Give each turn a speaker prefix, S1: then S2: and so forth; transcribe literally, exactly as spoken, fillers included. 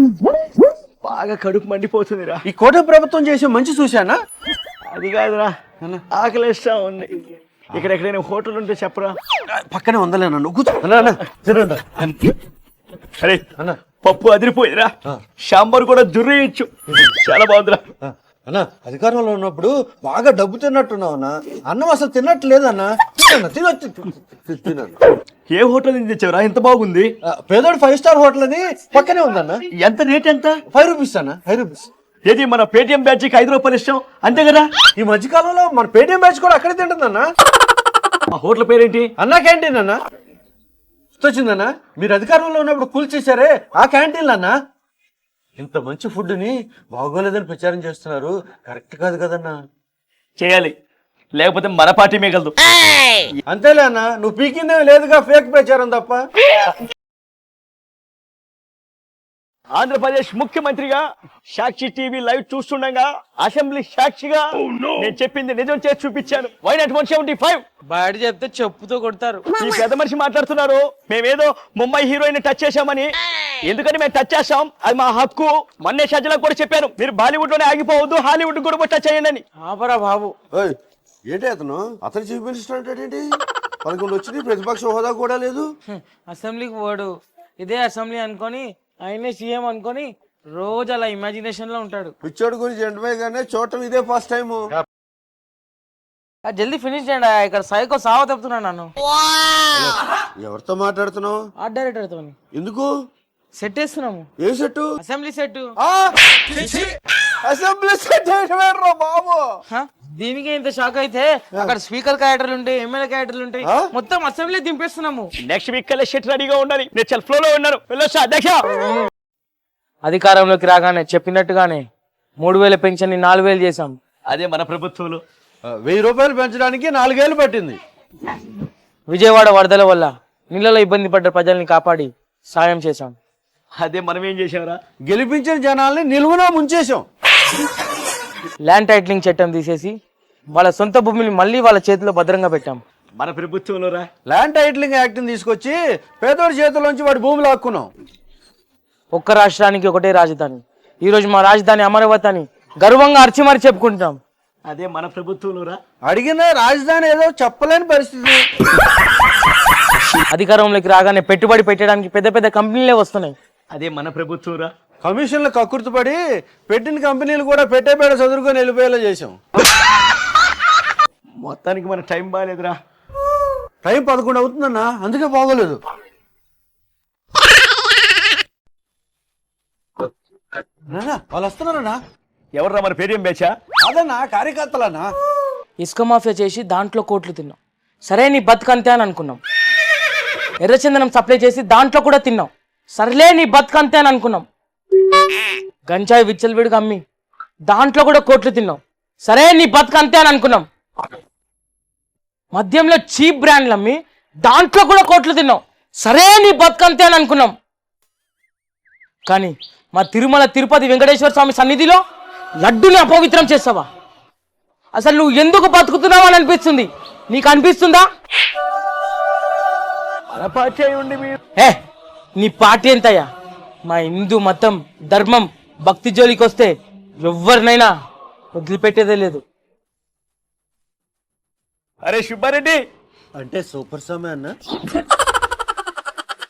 S1: బాగా కడుపు మండిపోతుందిరా.
S2: ఈ కోట ప్రభుత్వం చేసే మంచి చూశానా?
S1: అది కాదురా, ఆకలిస్తా ఉంది. ఇక్కడ ఎక్కడైనా హోటల్ ఉంటే చెప్పరా.
S2: పక్కనే ఉందలేనా నువ్వు కూర్చో.
S1: అరే అన్న, పప్పు అదిరిపోయిందిరా. సాంబార్ కూడా దుర్రేయచ్చు, చాలా బాగుందిరా.
S2: అన్నా అధికారంలో ఉన్నప్పుడు బాగా డబ్బు తిన్నట్టున్నావు అన్న. అన్నం అసలు తిన్నట్టు లేదన్నా. తినొచ్చు తిన్నాను.
S1: ఏ హోటల్ నుంచి తెచ్చావురా, ఇంత బాగుంది?
S2: పేదోడు ఫైవ్ స్టార్ హోటల్ అది పక్కనే ఉందన్న.
S1: ఎంత రేట్ ఎంత?
S2: ఫైవ్ రూపీస్ అన్న, ఫైవ్ రూపీస్.
S1: ఏది మన పేటిఎం బ్యాచ్ కి ఐదు రూపాయలు ఇష్టం అంతే కదా?
S2: ఈ మధ్యకాలంలో మన పేటిఎం బ్యాచ్ కూడా అక్కడే తింటుందన్న.
S1: ఆ హోటల్ పేరేంటి?
S2: అన్నా క్యాంటీన్ అన్న. వచ్చిందన్న, మీరు అధికారంలో ఉన్నప్పుడు కూల్ చేశారే ఆ క్యాంటీన్లు అన్న. ఇంత మంచి ఫుడ్ ని బాగోలేదని ప్రచారం చేస్తున్నారు, కరెక్ట్ కాదు కదన్నా.
S1: చేయాలి, లేకపోతే మన పార్టీ మిగలదు.
S2: అంతేలే అన్న, నువ్వు పీకిందే లేదుగా, ఫేక్ ప్రచారం తప్ప.
S1: ఆంధ్రప్రదేశ్ ముఖ్యమంత్రిగా సాక్షి టీవీ లైవ్ చూస్తుండగా అసెంబ్లీ సాక్షిగా నేను చెప్పింది నిజం చేసి చూపించాను. Why not one seventy five
S3: బయట చెప్తే చెప్పుతో కొడతారు.
S1: ఈ పెద్ద మనిషి మాట్లాడుతున్నారు మేమేదో ముంబై హీరోయిన్ టచ్ చేశామని. ఎందుకని మేము టచ్ చేస్తాం, అది మా హక్కు. మొన్నే సజ్జలకు కూడా చెప్పాను, మీరు బాలీవుడ్ లోనే ఆగిపోవద్దు, హాలీవుడ్ కూడా టచ్ చేయండి అని.
S3: ఆపరా బాబు.
S4: ఏంటి అతను అతను చీఫ్ మినిస్టర్ అంటే ఏంటి? పదకొండు వచ్చింది, ప్రతిపక్ష హోదా కూడా లేదు.
S3: అసెంబ్లీకి పోడు, ఇదే అసెంబ్లీ అనుకొని ఆయనే సీఎం అనుకొని రోజు అలా ఇమాజినేషన్ లో ఉంటాడు.
S4: పిచ్చోడు గురించి ఎంటమేగానే చూడటం ఇదే ఫస్ట్ టైం.
S3: జల్దీ ఫినిష్ చేయండి, ఇక్కడ సైకో సావ తప్పుతున్నాను నన్ను.
S4: ఎవరితో మాట్లాడుతున్నావు?
S3: ఆర్ట్ డైరెక్టర్ తో.
S4: ఎందుకు?
S3: సెట్ వేస్తున్నాము.
S4: ఏ set?
S3: Assembly set.
S4: Assembly set బాబు.
S3: దీనికి ఇంత షాక్ అయితే అక్కడ స్పీకర్ క్యారెక్టర్లు ఉంటాయి, ఎమ్మెల్యే క్యారెక్టర్లు ఉంటాయి, మొత్తం అసెంబ్లీ దింపేస్తున్నాము.
S1: నెక్స్ట్ వీక్ కల్లా షెట్ రెడీగా ఉండాలి. నేను చాలా ఫ్లో లో ఉన్నాను. వెళ్ళొచ్చా అధ్యక్ష?
S3: అధికారంలోకి రాగానే చెప్పినట్టుగానే మూడు వేల పెన్షన్ ని నాలుగు వేలు చేశాం.
S1: అదే మన ప్రభుత్వంలో
S2: వెయ్యి రూపాయలు పెంచడానికి నాలుగేళ్లు పట్టింది.
S3: విజయవాడ వరదల వల్ల నీళ్ళలో ఇబ్బంది పడ్డ ప్రజల్ని కాపాడి సాయం చేశాం.
S1: అదే మనం ఏం చేసాంరా?
S2: గెలిపించిన జనాల్ని నిలువునా ముంచేశాం.
S3: ల్యాండ్ టైటిలింగ్ చట్టం తీసేసి వాళ్ళ సొంత భూమిని మళ్ళీ వాళ్ళ చేతిలో భద్రంగా పెట్టాం.
S1: మన ప్రభుత్వంలో రా
S2: ల్యాండ్ టైటిలింగ్ యాక్ట్ తీసుకొచ్చి పేదోడి చేతుల్లోంచి వాడి భూములు లాక్కున్నాం.
S3: ఒక్క రాష్ట్రానికి ఒకటే రాజధాని, ఈ రోజు మా రాజధాని అమరావతి అని గర్వంగా అర్చిమరి చెప్పుకుంటున్నాం.
S1: అదే మన ప్రభుత్వంలో రా.
S2: అడిగిన రాజధాని ఏదో చెప్పలేని పరిస్థితి.
S3: అధికారంలోకి రాగానే పెట్టుబడి పెట్టడానికి పెద్ద పెద్ద కంపెనీలే వస్తున్నాయి.
S1: అదే మన ప్రభుత్వం రా.
S2: కమిషన్లు కక్కుర్తిపడి పెట్టిన కంపెనీలు కూడా పెట్టేపేడ చదువుకొని వెళ్ళిపోయేలా చేసాం.
S1: మొత్తానికి మన టైం బాగాలేదురా.
S2: టైం పదకొండు అవుతుందన్నా, అందుకే బాగోలేదు. వాళ్ళు వస్తున్నారన్నా.
S1: ఎవర్రా? మన పేరేం బేచా?
S2: అదన్నా కార్యకర్తలన్నా.
S3: ఇసుక మాఫియా చేసి దాంట్లో కోట్లు తిన్నాం. సరే నీ బతుకంతే అని అనుకున్నాం. ఎర్రచందనం సప్లై చేసి దాంట్లో కూడా తిన్నాం. సరేలే నీ బతుకంతే అని అనుకున్నాం. గంజాయి విచ్చలవిడిగా అమ్మి దాంట్లో కూడా కోట్లు తిన్నాం. సరే నీ బతుకంతే అని అనుకున్నాం. మద్యంలో చీప్ బ్రాండ్లు అమ్మి దాంట్లో కూడా కోట్లు తిన్నాం. సరే నీ బతుకంతే అని అనుకున్నాం. కానీ మా తిరుమల తిరుపతి వెంకటేశ్వర స్వామి సన్నిధిలో లడ్డుని అపవిత్రం చేస్తావా? అసలు నువ్వు ఎందుకు బతుకుతున్నావు అని అనిపిస్తుంది. నీకు అనిపిస్తుందా?
S1: మన పార్టీ అయి ఉండి మీరు
S3: ఏ నీ పార్టీ ఎంతయ్యా? మా హిందూ మతం ధర్మం భక్తి జోలికి వస్తే ఎవరినైనా వదిలిపెట్టేదే లేదు.
S1: అరే సుబ్బారెడ్డి
S2: అంటే సూపర్ స్వామి అన్న.